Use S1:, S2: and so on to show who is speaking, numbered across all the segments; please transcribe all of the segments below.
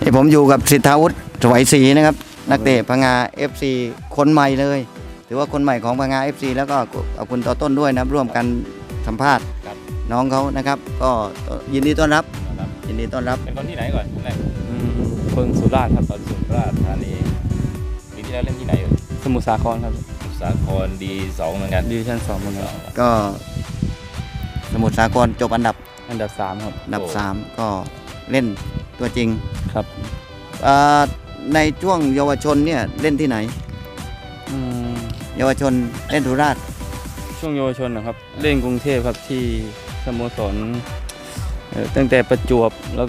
S1: ผมอยู่กับสิทธาวุฒิสวัยศรีนะครับนักเตะพังงา FC คนใหม่เลยถือว่าคนใหม่ของพังงา FC แล้วก็ขอบคุณต่อต้นด้วยนะครับร่วมกันสัมภาษณ์น้องเขานะครับก็ยินดีต้อนรับยินดีต้อนรับ
S2: เป็นคนที่ไหนก่อนคนไหน
S3: คนสุราษฎร์ครับ
S2: คนสุราษฎร์ธานีปีที่แล้วเล่นที่ไหนอยู่
S3: สมุทรสาครครับ
S2: สมุทรสาครดีสองเหมือนกัน
S3: ดิวิชั่น2เหมือนกัน
S1: ก็สมุทรสาครจบอันดับ
S3: อันดับ3ครับ
S1: 3ก็เล่นตัวจริง
S3: ครับ
S1: ในช่วงเยาวชนเนี่ยเล่นที่ไหน
S3: อืม
S1: เยาวชนเล่นสุราษฎร์
S3: ช่วงเยาวชนนะครับเล่นกรุงเทพครับที่สโมสรตั้งแต่ประจวบแล้วก็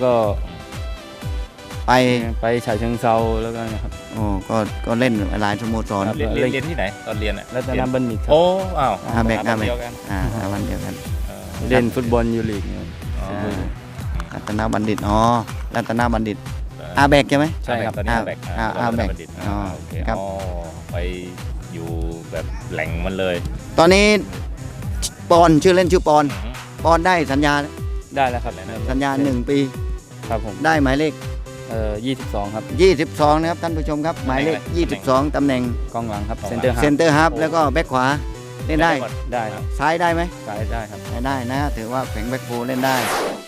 S1: ไป
S3: ฉะเชิงเทราแล้วก็นะครับ
S1: โอ้ก็เล่นหลายสโมสร
S3: ครับ
S2: เรียนที่ไหนตอนเรียนอ่ะ
S3: รัตนบัณฑิตครับ
S2: โอ้อ้าว
S1: อาแบก
S2: เดียวกัน
S1: วันเดียวกัน
S3: เล่นฟุตบอลยูลีกเนี่ย
S2: อ๋อ
S1: รัตนบัณฑิตรัตนบัณฑิตอาแบกใช่ไหม
S3: ใช่ครับ
S2: ตอนนี้อาแบก
S1: อาแบก
S2: อ๋อโอเค
S1: ครับ
S2: อ๋อไปอยู่แบบแหล่งมันเลย
S1: ตอนนี้ปอนชื่อเล่นชื่อปอนได้สัญญา
S3: ได้แล้วครับ
S1: สัญญา1 ปี
S3: ครับผม
S1: ได้หมายเลข
S3: 22ครับ
S1: 22นะครับท่านผู้ชมครับหมายเลข22ตำแหน่ง
S3: กองหลังครับเซนเตอร์ฮา
S1: เซนเตอร์ฮาล์ฟแล้วก็แบ็คขวาเล่นได้
S3: ได้ครับ
S1: ซ้ายได้ไหม
S3: ซ้ายได้ครับ
S1: ได้นะถือว่าแข็งแบ็คโฟเล่นได้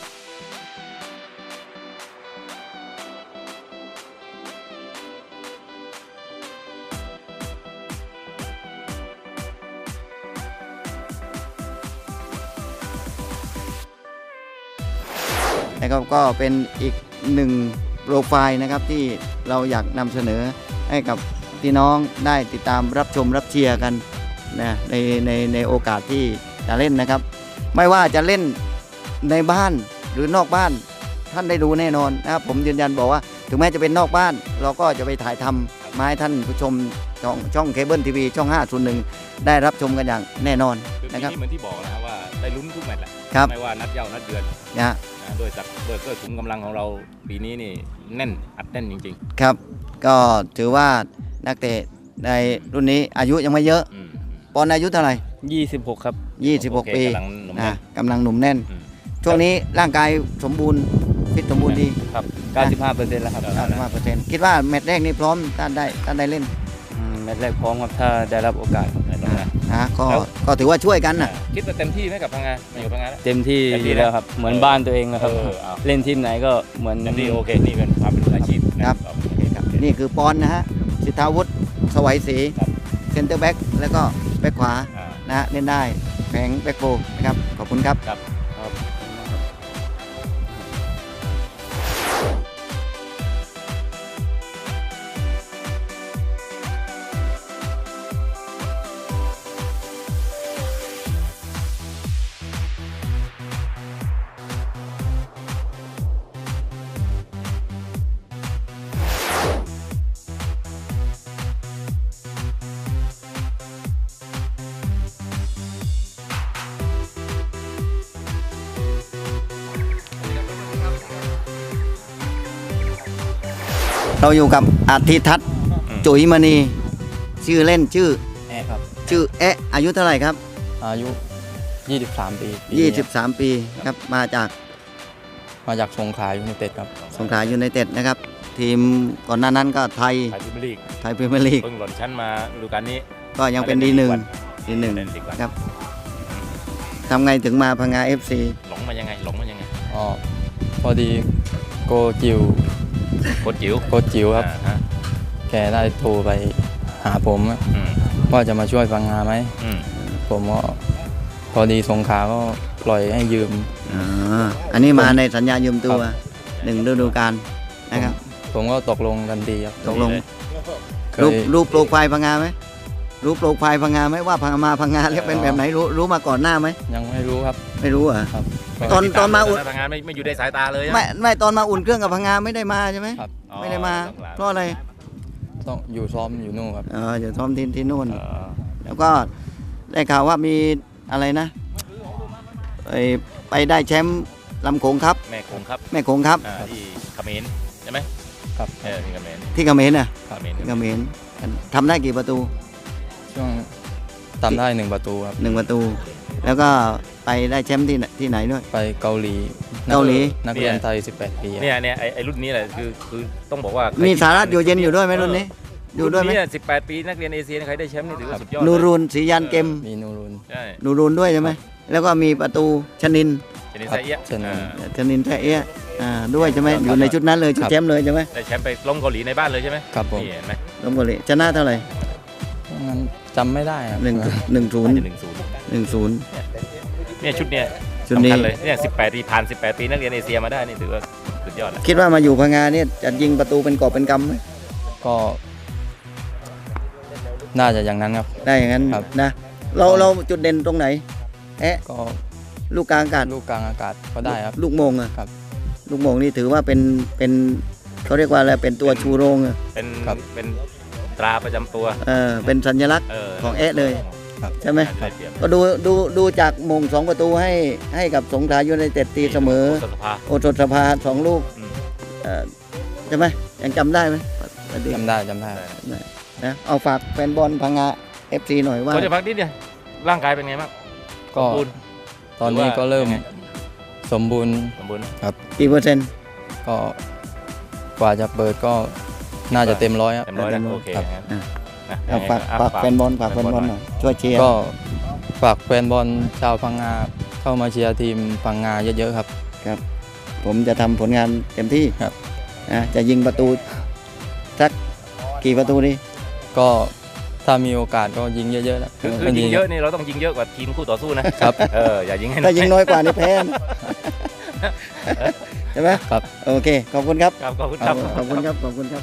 S1: นะครับก็เป็นอีกหนึ่งโปรไฟล์นะครับที่เราอยากนำเสนอให้กับพี่น้องได้ติดตามรับชมรับเชียร์กันนะในโอกาสที่จะเล่นนะครับ ไม่ว่าจะเล่นในบ้านหรือนอกบ้านท่านได้ดูแน่นอนนะครับผมยืนยันบอกว่าถึงแม้จะเป็นนอกบ้านเราก็จะไปถ่ายทำมาให้ท่านผู้ชมช่องเคเบิลทีวีช่อง 501 ได้รับชมกันอย่างแน่นอน
S2: คือปี
S1: นะครับ
S2: นี้เหมือนที่บอกนะครับว่าได้ลุ้นทุกแมตช์แหละ
S1: ครับ
S2: ไม่ว่านัดเย้านัดเดือน
S1: นะ
S2: ด้วยขุมกำลังของเราปีนี้นี่แน่นอัดแน่นจริง
S1: ครับก็ถือว่านักเตะในรุ่นนี้อายุยังไม่เยอะ
S2: ๆอืม
S1: ปอนอายุเท่าไหร่
S3: 26ครับ
S1: 26 ปี
S2: กำลังหนุ่มแน่น
S1: กำลังหนุ่มแน่น
S2: อืม
S1: ช่วงนี้ร่างกายสมบูรณ์ฟิตสมบูรณ์ดี
S3: ครับ 95%แล้วครับ
S1: 95%คิดว่าแมตช์แรกนี่พร้อมท่านได้เล่น
S3: แมตช์แรกพร้อมครับถ้าได้รับโอกาสครับ
S2: แน่นอนนะ
S1: ก็ถือว่าช่วยกันนะ
S2: คิดว่าเต็มที่ไหมกับพังงามาอยู่พังงาแล้ว
S3: เต็มที่
S2: เต็มที่
S3: อยู่แล้วครับเหมือนบ้านตัวเองนะครับ
S2: เอา
S3: เล่นทีมไหนก็เหมือน
S2: เต็มที่โอเคนี่เป็นความเป็นมืออาชีพนะครับ โอเคครับ
S1: นี่คือปอนนะฮะสิทธาวุฒิสวัยศรี
S2: ครับ
S1: เซนเตอร์แบ็กแล้วก็แบ็กขวา
S2: อ่า
S1: นะฮะเล่นได้แผงแบ็กโฟนะครับขอบคุณครับ
S2: ครับ
S1: เราอยู่กับอาทิทัศน์จุ๋ยมณีชื่อเล่นชื่อ
S3: แอร์ครับ
S1: อายุเท่าไหร่ครับ
S3: อายุ 23 ปี
S1: 23 ปีครับมาจาก
S3: มาจากสงขลายูไนเต็ดครับ
S1: สงขลายูไนเต็ดนะครับ ทีมก่อนหน้านั้นก็ไทย
S2: ไทยพรีเมียร์ลีก
S1: ไทยพรีเมียร์ลีก
S2: เพิ่งหล่นชั้นมาฤดูกาลนี้
S1: ก็ยังเป็นดีหนึ่งครับทำไงถึงมาพังงา FC
S2: หลงมายังไง
S3: อ๋อพอดีโกจิว
S2: โคตรจิ๋ว
S3: โกจิวครับ
S2: ฮะ
S3: แกได้โทรไปหาผม
S2: อืม
S3: ว่าจะมาช่วยฟังงานไหม
S2: อืม
S3: ผมก็พอดีสงขลาก็ปล่อยให้ยืม
S1: อันนี้มาในสัญญายืมตัว1 ฤดูกาลนะครับ
S3: ผมก็ตกลงกันดีครับ
S1: ตกลง
S3: เค
S1: รูป
S3: ย
S1: รูปโปรไฟล์พังงาไหมรูปโปรไฟล์พังงาไหมว่าพังมาพังงาแล้วเป็นแบบไหนรู้มาก่อนหน้าไหม
S3: ยังไม่รู้ครับ
S1: ไม่รู้เหรอ
S3: ครับ
S1: ตอนมาอุ่น
S2: ทำงานไม่อยู่ในสายตาเลยอะ
S1: ไม่ตอนมาอุ่นเครื่องกับพังงาไม่ได้มาใช่ไหม
S3: ครับ
S2: อ๋อ
S1: ไม่ได้มา
S2: ต้องล
S1: เพราะอะไร
S3: ต้องอยู่ซ้อมอยู่นู่นครับ
S1: อยู่ซ้อมที่นู่น
S2: เออ
S1: แล้วก็ได้ข่าวว่ามีอะไรนะไปได้แชมป์ลำโขงครับ
S2: แม่คงครับ
S1: แม่โขงครับ
S2: ที่เขมรใช่ไหม
S3: ครับ
S2: ที่เขมร
S1: ที่เขมรน่ะ
S2: เขมร
S1: ที่เขมรทำได้กี่ประตู
S3: ช่วงทำได้1 ประตูครับ
S1: 1 ประตูแล้วก็ไปได้แชมป์ที่ไหนด้วย
S3: ไปเกาหลี
S1: เกาหลี
S3: นักเรียนไทย 18 ปีครับ
S2: เนี่ยไอ้รุ่นนี้แหละคือต้องบอกว่า
S1: มี
S2: มี
S1: สารัตอยู่เย็นอยู่ด้วยไหมรุ่นนี้อยู่ด้วยไหม
S2: รุ่นนี้18 ปีนักเรียนเอเชียใครได้แชมป์นี่ถือว่าสุดยอด
S1: นูรูนศรียันเกม
S3: มีนูรุน
S2: ใช่
S1: นูรูนด้วยใช่ไหมแล้วก็มีประตูชนิน
S2: ชนินไซเอียะ
S3: ชนิน
S1: ชนินแท้เอี้ยด้วยใช่ไหมอยู่ในชุดนั้นเลยชุดแชมป์เลยใช่ไหม
S2: ได้แชมป์ไปล้มเกาหลีในบ้านเลยใช่ไหม
S3: ครับผม
S2: นี่เห็นไหม
S1: ลมบุรีชนะเท่าไหร่
S3: งั้นจำไม่ได้ครับ
S1: 1-0
S2: น่าจะ1-0
S1: 1-0
S2: เนี่ยชุดเนี้ย
S1: ชุดนี้
S2: สำคัญเลยเนี่ย18 ปีผ่าน18 ปีนักเรียนเอเชียมาได้นี่ถือว่าสุดยอดแล้ว
S1: คิดว่ามาอยู่พังงาเนี่ยจะยิงประตูเป็นกอบเป็นกำไหม
S3: ก็น่าจะอย่างนั้นครับ
S1: ได้อย่างนั้น
S3: ครับ
S1: นะเราจุดเด่นตรงไหน
S3: ก็
S1: ลูกกลางอากาศ
S3: ลูกกลางอากาศก็ได้ครับ
S1: ลูกโมงอะ
S3: ครับ
S1: ลูกโมงนี่ถือว่าเป็นเขาเรียกว่าอะไรเป็นตัวชูโรงอะ
S2: เป็น
S3: ครับ
S2: เป็นตราประจำตัว
S1: เป็นสัญลักษณ์ ของแอะเลย
S3: ครับ
S1: ใช่ไหม
S2: ได้เปรียบ
S1: ก็ดูจากโมง2 ประตูให้กับสงขลายูไนเต็ดตีเสมอ
S2: โสถสภา
S1: โอสถสภา2 ลูก
S2: อืม
S1: ใช่ไหมยังจำได้ไหม
S3: จำได้จำได้
S1: นะเอาฝากแฟนบอลพังงา FC หน่อยว่า
S2: เขาจะพักนิดเดียวร่างกายเป็นไงบ้าง
S3: ก็
S2: สมบูรณ์
S3: ตอนนี้ก็เริ่ม
S2: หอว่ายังไง
S3: สมบูรณ์
S2: สมบูรณ์
S1: กี่เปอร์เซ็นต์
S3: ก็กว่าจะเปิดก็น่าจะเต็มร้อยครับ
S2: เต็มร้อยแล้วโอเค
S3: ครับ
S2: งั้น
S1: อ่ะ
S2: นะ
S1: เอาฝากแฟนบอลฝากแฟนบอลหน่อยช่วยเชียร์
S3: ก็ฝากแฟนบอลชาวพังงาเข้ามาเชียร์ทีมพังงาเยอะๆครับ
S1: ผมจะทำผลงานเต็มที่
S3: ครับ
S1: จะยิงประตูสักกี่ประตูดี
S3: ก็ถ้ามีโอกาสก็ยิงเยอะๆนะ
S2: คือยิงเยอะนี่เราต้องยิงเยอะกว่าทีมคู่ต่อสู้นะครับ อย่ายิงให้
S1: ถ้ายิงน้อยกว่านี่แพ้นะใช่ไหม
S3: ครับ
S1: โอเคขอบคุณครับ
S2: ครับขอบคุณครับ
S1: ขอบคุณครับขอบคุณครับ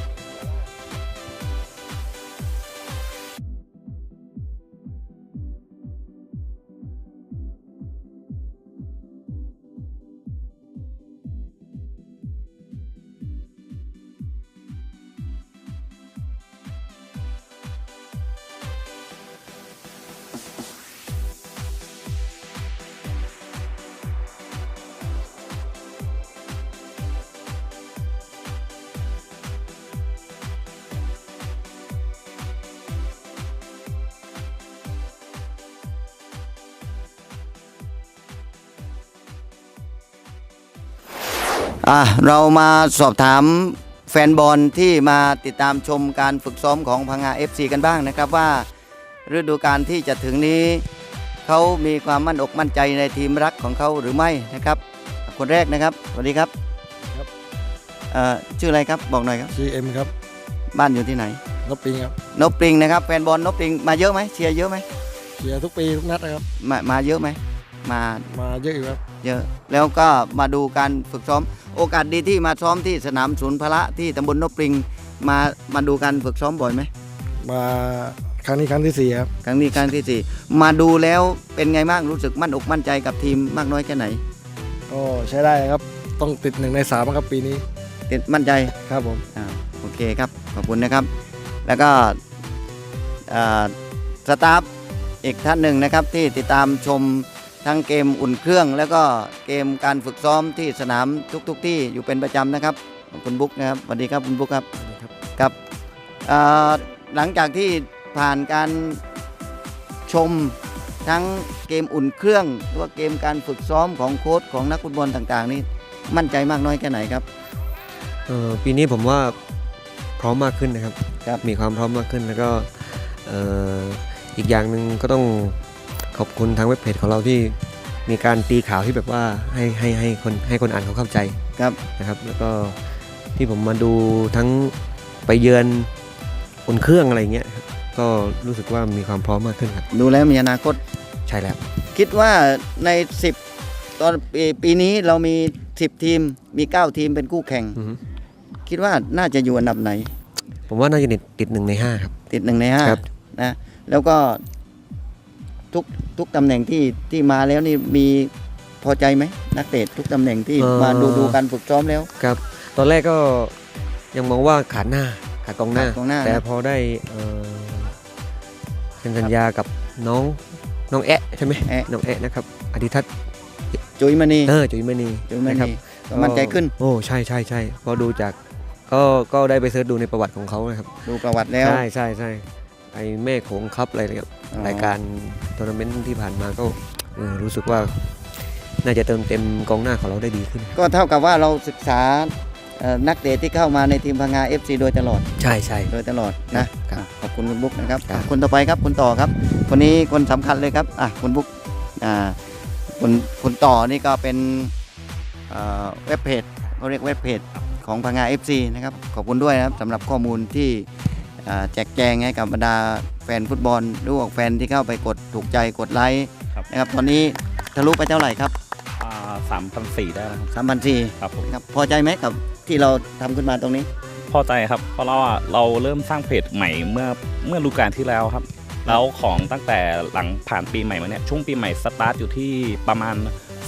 S1: เรามาสอบถามแฟนบอลที่มาติดตามชมการฝึกซ้อมของพังงา FC กันบ้างนะครับว่าฤดูกาลที่จะถึงนี้เขามีความมั่นอกมั่นใจในทีมรักของเขาหรือไม่นะครับคนแรกนะครับสวัสดีครับ
S4: ครับ
S1: ชื่ออะไรครับบอกหน่อยครับ
S4: GM ครับ
S1: บ้านอยู่ที่ไหน
S4: นบปิงครับ
S1: นบปริงนะครับแฟนบอลนบปริงมาเยอะไหมเชียร์เยอะไหม
S4: เชียร์ทุกปีทุกนัดนะครับ
S1: มาเยอะไหมมา
S4: มาเยอะอยู่ครับ
S1: เยอะแล้วก็มาดูการฝึกซ้อมโอกาสดีที่มาซ้อมที่สนามศูนย์พละที่ตำบลนบปริงมาดูการฝึกซ้อมบ่อยไหม
S4: มาครั้งนี้ครั้งที่ 4 ครับ
S1: ครั้งนี้ครั้งที่ 4 มาดูแล้วเป็นไงบ้างรู้สึกมั่นอกมั่นใจกับทีมมากน้อยแค่ไหน
S4: ก็ใช้ได้ครับ ต้องติด1 ใน 3ครับปีนี้
S1: ติดมั่นใจ
S4: ครับผม
S1: โอเคครับขอบคุณนะครับ แล้วก็สตาฟอีกท่านหนึ่งนะครับที่ติดตามชมทั้งเกมอุ่นเครื่อง แล้วก็เกมการฝึกซ้อมที่สนามทุกที่อยู่เป็นประจำนะครับคุณบุ๊กนะครับสวัสดีครับคุณบุ๊กครับครับหลังจากที่ผ่านการชมทั้งเกมอุ่นเครื่องหรือว่าเกมการฝึกซ้อมของโค้ชของนักฟุตบอลต่างๆนี่มั่นใจมากน้อยแค่ไหนครับ
S5: ปีนี้ผมว่าพร้อมมากขึ้นนะครับ
S1: ครับ
S5: มีความพร้อมมากขึ้นแล้วก็อีกอย่างหนึ่งก็ต้องขอบคุณทางเว็บเพจของเราที่มีการตีข่าวที่แบบว่าให้คนอ่านเขาเข้าใจ
S1: ครับ
S5: นะครับแล้วก็ที่ผมมาดูทั้งไปเยือนอุ่นเครื่องอะไรเงี้ยครับก็รู้สึกว่ามีความพร้อมมากขึ้นครับ
S1: ดูแล้วมีอนาคต
S5: ใช่แล้ว
S1: คิดว่าใน 10 ตอนปีนี้เรามี 10 ทีมมี 9 ทีมเป็นคู่แข่ง
S5: อือฮึ
S1: คิดว่าน่าจะอยู่อันดับไหน
S5: ผมว่าน่าจะติด1 ใน 5ครับ
S1: ติด1 ใน
S5: ครับ
S1: 5นะแล้วก็ทุกตำแหน่งที่มาแล้วนี่มีพอใจไหมนักเตะทุกตำแหน่งที่มาดูการฝึกซ้อมแล้ว
S5: ครับตอนแรกก็ยังมองว่าขาดกองหน้า
S1: ขาดกองหน้า
S5: แต่
S1: นะ
S5: พอได้เซ็นสัญญากับน้องแอะใช่ไหม
S1: แอะ
S5: น้องแอะนะครับอธิทัศน์
S1: จุยมณี
S5: จุ๋ยมณี
S1: จุยม
S5: นะครั
S1: ณี
S5: บ
S1: ก็มั่นใจขึ้น
S5: โอ้ใช่พอดูจากก็ได้ไปเสิร์ชดูในประวัติของเขานะครับ
S1: ดูประวัติแล้ว
S5: ใช่ไอแม่โขงคัพอะไรนะครับ
S1: อ๋อ
S5: รายการทัวร์นาเมนต์ที่ผ่านมาก็รู้สึกว่าน่าจะเติมเต็มกองหน้าของเราได้ดีขึ้น
S1: ก็เท่ากับว่าเราศึกษานักเตะที่เข้ามาในทีมพังงา FC โดยตลอด
S5: ใช่ใช่
S1: โดยตลอดนะครับ ขอบคุณคุณบุ๊กนะครับคนต่อไปครับคุณต่อครับคนนี้คนสำคัญเลยครับคุณบุ๊กคุณต่อนี่ก็เป็นเว็บเพจเขาเรียกเว็บเพจของพังงา FC นะครับขอบคุณด้วยนะครับสำหรับข้อมูลที่แจกแจงให้กับบรรดาแฟนฟุตบอลหรือว่าแฟนที่เข้าไปกดถูกใจกดไลค์นะครับตอนนี้ทะลุไปเท่าไหร่ครับ
S3: 3,400ได้แล้วครับ
S1: 3,400
S3: ครับผม
S1: ครับพอใจไหมกับที่เราทำขึ้นมาตรงนี้
S3: พอใจครับเพราะเราเริ่มสร้างเพจใหม่เมื่อฤดูกาลที่แล้วครับแล้วของตั้งแต่หลังผ่านปีใหม่มาเนี่ยช่วงปีใหม่สตาร์ทอยู่ที่ประมาณ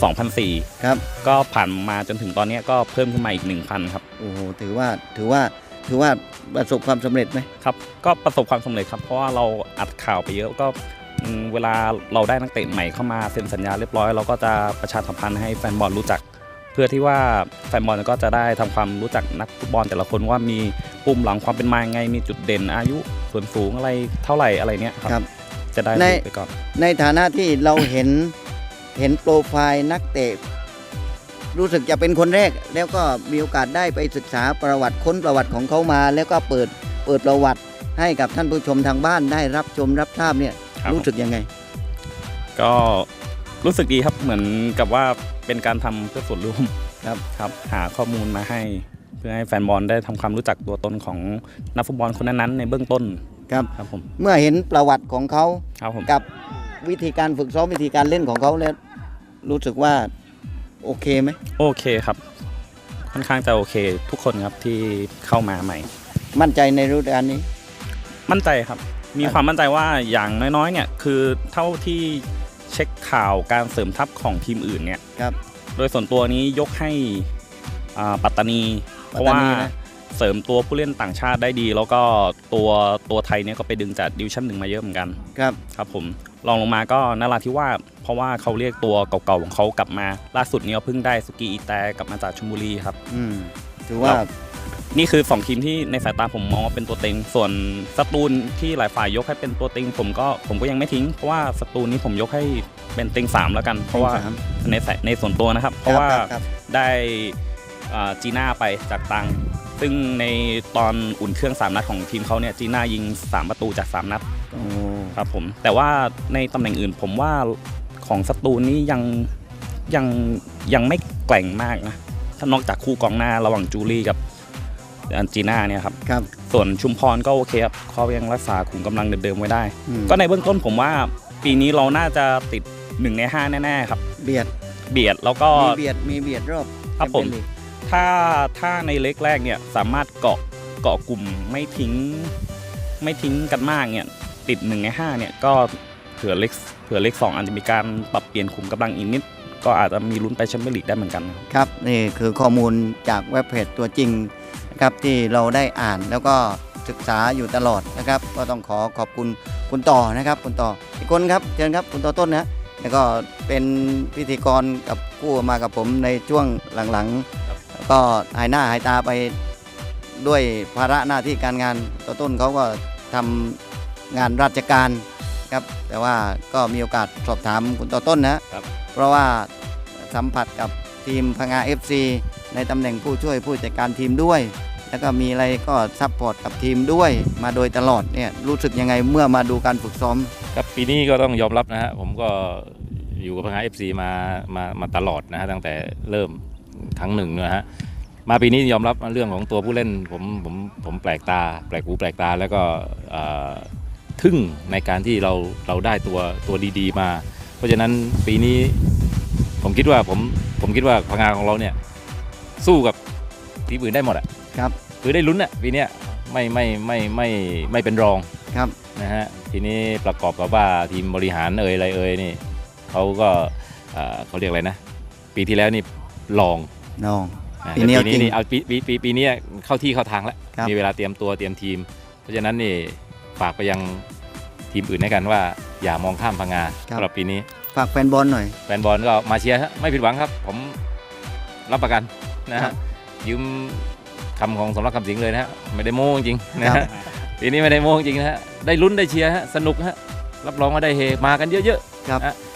S3: 2,400
S1: ครับ
S3: ก็ผ่านมาจนถึงตอนนี้ก็เพิ่มขึ้นมาอีก 1,000 ครับ
S1: โอ้โหถือว่าประสบความสำเร็จไหม
S3: ครับก็ประสบความสำเร็จครับเพราะว่าเราอัดข่าวไปเยอะก็เวลาเราได้นักเตะใหม่เข้ามาเซ็นสัญญาเรียบร้อยเราก็จะประชาสัมพันธ์ให้แฟนบอลรู้จัก เพื่อที่ว่าแฟนบอลก็จะได้ทำความรู้จักนักฟุตบอลแต่ละคนว่ามีปุ่มหลังความเป็นมายังไงมีจุดเด่นอายุส่วนสูงอะไรเท่าไหร่อะไรเนี้ยครับจะได้รู้ไปก่อน
S1: ในฐานะที่เราเห็นโปรไฟล์นักเตะรู้สึกจะเป็นคนแรกแล้วก็มีโอกาสได้ไปศึกษาประวัติค้นประวัติของเขามา แล้วก็เปิดประวัติให้กับท่านผู้ชมทางบ้านได้รับชมรับทราบเนี่ยรู้สึกยังไง
S3: ก็รู้สึกดีครับเหมือนกับว่าเป็นการทำเพื่อส่วนรวมครับหาข้อมูลมาให้เพื่อให้แฟนบอลได้ทำความรู้จักตัวตนของนักฟุตบอลคนนั้นๆในเบื้องต้นครับผม
S1: เมื่อเห็นประวัติของเขา
S3: ครับผม
S1: กับวิธีการฝึกซ้อมวิธีการเล่นของเขาแล้วรู้สึกว่าโอเคไหม
S3: โอเคครับค่อนข้างจะโอเคทุกคนครับที่เข้ามาใหม่
S1: มั่นใจในฤดูกาลนี้
S3: มั่นใจครับมีความมั่นใจว่าอย่างน้อยๆเนี่ยคือเท่าที่เช็คข่าวการเสริมทัพของทีมอื่นเนี่ย
S1: ครับ
S3: โดยส่วนตัวนี้ยกให้ปัตตานีเพราะว่าเสริมตัวผู้เล่นต่างชาติได้ดี แล้วก็ตัวไทยเนี่ยก็ไปดึงจากดิวิชั่น 1มาเยอะเหมือนกันครับผมรองลงมาก็นราธิวาสเพราะว่าเขาเรียกตัวเก่าๆของเขากลับมาล่าสุดนี้เพิ่งได้สุกีอีแตกลับมาจากชลบุรีครับ
S1: ถือว่า
S3: นี่คือ2ทีมที่ในสายตาผมมองว่าเป็นตัวเต็งส่วนสตูลที่หลายฝ่ายยกให้เป็นตัวเต็งผมก็ยังไม่ทิ้งเพราะว่าสตูลนี้ผมยกให้เป็นเต็ง3แล้วกันเพราะว่าในส่วนตัวนะครับเพราะว่าได้จีน่าไปจากตังซึ่งในตอนอุ่นเครื่อง3นัดของทีมเขาเนี่ยจีน่ายิง3ประตูจาก3นัดครับผมแต่ว่าในตำแหน่งอื่นผมว่าของสตูลนี้ยังไม่แกร่งมากนะถ้านอกจากคู่กองหน้าระหว่างจูลี่กับจีน่าเนี่ยครับส่วนชุมพรก็โอเคครับเขายังรักษาขุมกำลังเดิมๆไว้ได้ก็ในเบื้องต้นผมว่าปีนี้เราน่าจะติด1 ใน 5แน่ๆครับเบียดแล้วก็
S1: มีเบียดรอบ
S3: ครับผมถ้าในเล็กแรกเนี่ยสามารถเกาะกลุ่มไม่ทิ้งกันมากเนี่ยติด1 ใน 5เนี่ยก็เผื่อเล็ก2อาจจะมีการปรับเปลี่ยนขุมกำลังอีกนิดก็อาจจะมีลุ้นไปแชมเปี้ยนลีกได้เหมือนกัน
S1: ครับนี่คือข้อมูลจากเว็บเพจตัวจริงนะครับที่เราได้อ่านแล้วก็ศึกษาอยู่ตลอดนะครับก็ต้องขอบคุณคุณต่อนะครับคุณต่ออีกคนครับเชิญครับคุณต่อต้นนะแล้วก็เป็นพิธีกรกับคู่มากับผมในช่วงหลังๆก็หายหน้าหายตาไปด้วยภาระหน้าที่การงานต่อต้นเขาก็ทำงานราชการครับแต่ว่าก็มีโอกาสสอบถามคุณต่อต้นนะครับเพราะว่าสัมผัสกับทีมพังงา FC ในตำแหน่งผู้ช่วยผู้จัดการทีมด้วยแล้วก็มีอะไรก็ซัพพอร์ตกับทีมด้วยมาโดยตลอดเนี่ยรู้สึกยังไงเมื่อมาดูการฝึกซ้อม
S2: ครับปีนี้ก็ต้องยอมรับนะฮะผมก็อยู่กับพังงา FC มาตลอดนะฮะตั้งแต่เริ่มครั้งหนึ่งนะฮะมาปีนี้ยอมรับเรื่องของตัวผู้เล่นผมแปลกตาแปลกหูแปลกตาแล้วก็ทึ่งในการที่เราได้ตัวดีๆมาเพราะฉะนั้นปีนี้ผมคิดว่าพังงาของเราเนี่ยสู้กับทีมอื่นได้หมดอ่ะ
S1: ครับ
S2: คือได้ลุ้นอ่ะปีนี้ไม่เป็นรอง
S1: ครับ
S2: นะฮะทีนี้ประกอบกับว่าทีมบริหารอะไรนี่เขาก็เขาเรียกอะไรนะปีที่แล้วนี่ลองปีนี้นี่เอาปีนี้เข้าที่เข้าทางแล้วมีเวลาเตรียมตัวเตรียมทีมเพราะฉะนั้นนี่ฝากไปยังทีมอื่นให้กันว่าอย่ามองข้ามพังงาสำหรับปีนี้
S1: ฝากแฟนบอลหน่อย
S2: แฟนบอลก็มาเชียร์ไม่ผิดหวังครับผมรับประกันนะฮะยืมคำของสมรักคำสิงเลยนะฮะไม่ได้โม้จริงนะฮะปีนี้ไม่ได้โม้จริงนะฮะได้ลุ้นได้เชียร์ฮะสนุกฮะรับรองว่าได้เฮมากันเยอะๆ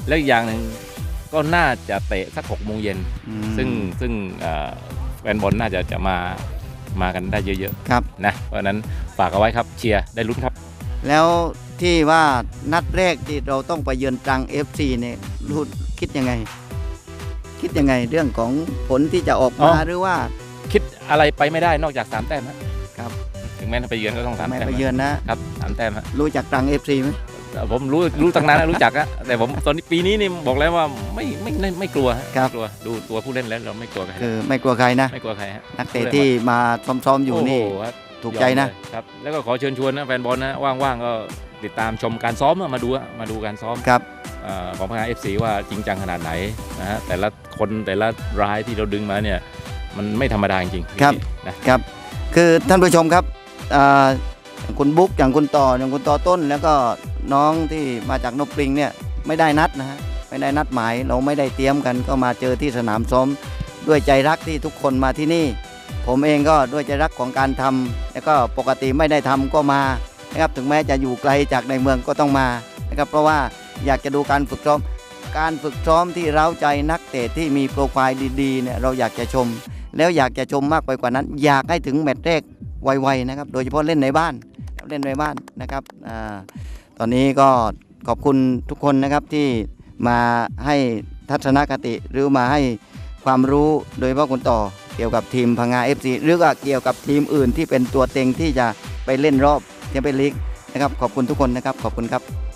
S2: แล้วอีกอย่างหนึ่งก็น่าจะเตะสัก6 โมงเย็น
S1: อืม
S2: ซึ่งแฟนบอลน่าจะมากันได้เยอะ
S1: ครับ
S2: ๆนะเพราะฉะนั้นฝากเอาไว้ครับเชียร์ได้ลุ้นครับ
S1: แล้วที่ว่านัดแรกที่เราต้องไปเยือนตรัง FC เนี่ยรู้คิดยังไง คิดยังไงเรื่องของผลที่จะออกมาหรือว่า
S2: คิดอะไรไปไม่ได้นอกจาก3 แต้มฮะ
S1: ครับ
S2: ถึงแม้ไปเยือนก็ต้อง3
S1: ไม่
S2: แต้ม
S1: ไปเยือนนะครับ
S2: 3 แต้มฮะ
S1: รู้จักตรัง FC ไหม
S2: ผมรู้ตั้งนานแล้วรู้จักอะแต่ผมตอนนี้ปีนี้นี่บอกแล้วว่าไม่กลัวฮะไม่กลัวดูตัวผู้เล่นแล้วเราไม่กลัวใคร
S1: คือไม่กลัวใครนะ
S2: ไม่กลัวใครฮะ
S1: นักเตะที่มาซ้อมๆอยู่นี่
S2: โโหครับ
S1: ถูกใจนะ
S2: ยอมเลยครับแล้วก็ขอเชิญชวนนะแฟนบอลนะว่างๆก็ติดตามชมการซ้อมมาดูการซ้อม
S1: ครับ
S2: ของพังงา FC ว่าจริงจังขนาดไหนนะฮะแต่ละคนแต่ละรายที่เราดึงมาเนี่ยมันไม่ธรรมดาจริงๆ
S1: ครับ
S2: นะครับ
S1: คือท่านผู้ชมครับอย่างคุณบุ๊กอย่างคุณต่อต้น แล้วก็น้องที่มาจากนกปริงเนี่ยไม่ได้นัดนะฮะไม่ได้นัดหมายเราไม่ได้เตรียมกันก็มาเจอที่สนามซ้อมด้วยใจรักที่ทุกคนมาที่นี่ ผมเองก็ด้วยใจรักของการทำแล้วก็ปกติไม่ได้ทำก็มานะครับถึงแม้จะอยู่ไกลจากในเมืองก็ต้องมานะครับเพราะว่าอยากจะดูการฝึกซ้อมที่เร้าใจนักเตะที่มีโปรไฟล์ดีๆเนี่ยเราอยากจะชม แล้วอยากจะชมมากไปกว่านั้น อยากให้ถึงแมตช์แรกไวๆนะครับโดยเฉพาะเล่นในบ้านนะครับตอนนี้ก็ขอบคุณทุกคนนะครับที่มาให้ทัศนคติหรือมาให้ความรู้โดยเฉพาะคุณต่อเกี่ยวกับทีมพังงา FC หรือก็เกี่ยวกับทีมอื่นที่เป็นตัวเต็งที่จะไปเล่นรอบแชมเปี้ยนลีกนะครับขอบคุณทุกคนนะครับขอบคุณครับ